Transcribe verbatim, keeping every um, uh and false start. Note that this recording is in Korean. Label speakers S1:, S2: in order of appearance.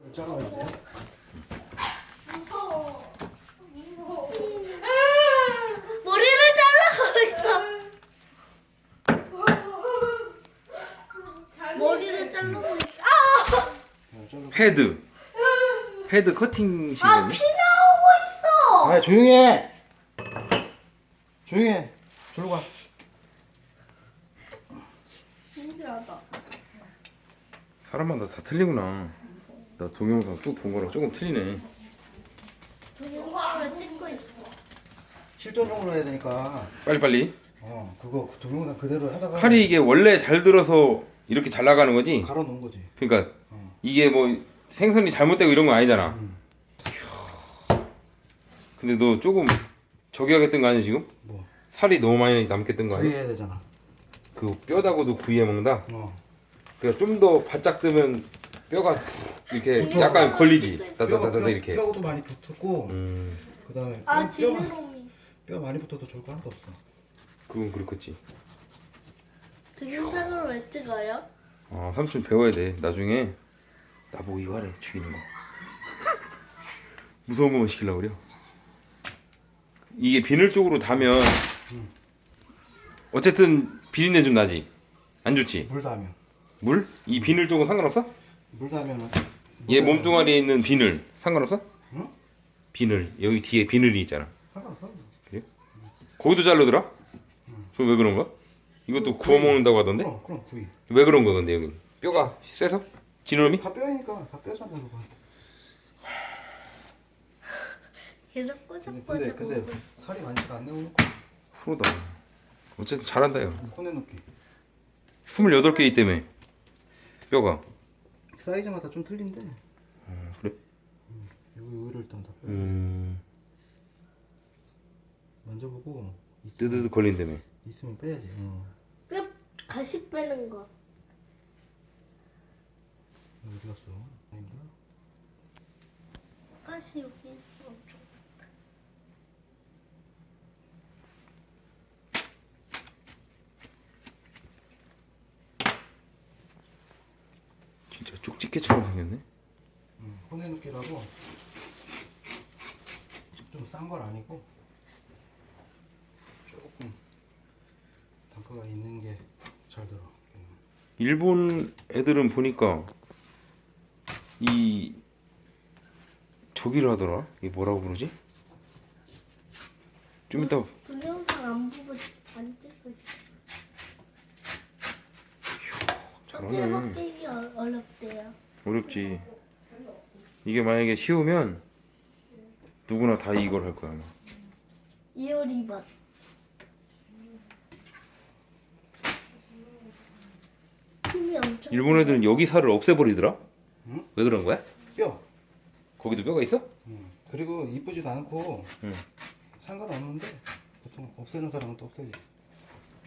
S1: 잘라야
S2: 무서워. 무서워. 머리를 잘라가고 있어. 머리를 자르고 있어. 아!
S3: 헤드 헤드 커팅
S2: 아,
S3: 실이네.
S2: 피 나오고 있어.
S1: 아 조용해. 조용해. 저로 가.
S2: 신기하다.
S3: 사람마다 다 틀리구나. 나 동영상 쭉 본 거랑 조금 틀리네.
S2: 동영상을 찍고 있어.
S1: 실전용으로 해야 되니까.
S3: 빨리빨리.
S1: 어 그거 동영상 그대로 하다가
S3: 팔이 이게 원래 잘 들어서 이렇게 잘 나가는 거지.
S1: 갈아 놓은 거지.
S3: 그러니까
S1: 어.
S3: 이게 뭐 생선이 잘못되고 이런 거 아니잖아.
S1: 음.
S3: 근데 너 조금 저기 하겠던 거 아니야 지금?
S1: 뭐
S3: 살이 너무 많이 남겠던 거 아니야?
S1: 구이해야 되잖아.
S3: 그 뼈다고도 구이해 먹는다.
S1: 어.
S3: 그러니까 좀 더 바짝 뜨면 뼈가 이렇게
S2: 붙어.
S3: 약간 걸리지.
S1: 뼈가
S3: 따다다다
S1: 뼈,
S3: 이렇게.
S1: 뼈도 많이 붙었고
S3: 음,
S1: 그다음에
S2: 아,
S1: 뼈,
S2: 지느러미.
S1: 뼈 많이 붙어도 좋을 거 하나도 없어.
S3: 그건 그렇겠지.
S2: 동영상을 왜 찍어요?
S3: 아 삼촌 배워야 돼. 나중에 나보고 이거 하래 죽이는 거. 무서운 거만 시키려고 그래요. 이게 비늘 쪽으로 다면 어쨌든 비린내 좀 나지. 안 좋지.
S1: 물 닿으면
S3: 물? 이 비늘 쪽은 상관없어?
S1: 물 닿으면은
S3: 얘 몸뚱아리에 있는 비늘 상관없어?
S1: 응?
S3: 비늘 여기 뒤에 비늘이 있잖아.
S1: 상관없어.
S3: 거기도 자르더라? 그럼 왜 그런 거야? 이것도 구워 먹는다고 하던데?
S1: 그럼 그럼 구이.
S3: 왜 그런 거야 근데 여기? 뼈가 세서? 지느러미?
S1: 다 뼈니까 다 뼈잖아 그거.
S2: 계속
S1: 근데
S2: 꼬적꼬적.
S1: 근데, 근데 살이 많지가 않네 오늘.
S3: 프로다. 어쨌든 잘한다 요.
S1: 꺼내놓기.
S3: 스물여덟 개 있다며 뼈가.
S1: 사이즈마다 좀 틀린데.
S3: 어, 그래?
S1: 이거 이거를 일단 다 빼야 돼.
S3: 음...
S1: 만져보고
S3: 뜨드드 걸린다며.
S1: 있으면 빼야지. 어.
S2: 뼈 가시 빼는 거.
S1: 어디 갔어? 아닌가?
S2: 가시 여기 엄청.
S3: 진짜 쪽집게처럼 생겼네.
S1: 응. 꺼내놓기라고 좀 싼 건 아니고 조금 단가가 있는 게 잘 들어.
S3: 일본 애들은 보니까 이 저기를 하더라. 이게 뭐라고 부르지? 좀 이따
S2: 동영상 안 보고 안 찍고 있어.
S3: 잘하네.
S2: 껍질 벗기기 어- 어렵대요.
S3: 어렵지. 이게 만약에 쉬우면 누구나 다 이걸 할 거야 아마.
S2: 이효리맛. 힘이 엄청.
S3: 일본 애들은 여기 살을 없애버리더라?
S1: 응?
S3: 왜 그런 거야?
S1: 뼈.
S3: 거기도 뼈가 있어?
S1: 응. 그리고 이쁘지도 않고
S3: 응.
S1: 상관없는데 보통 없애는 사람은 또 없애지.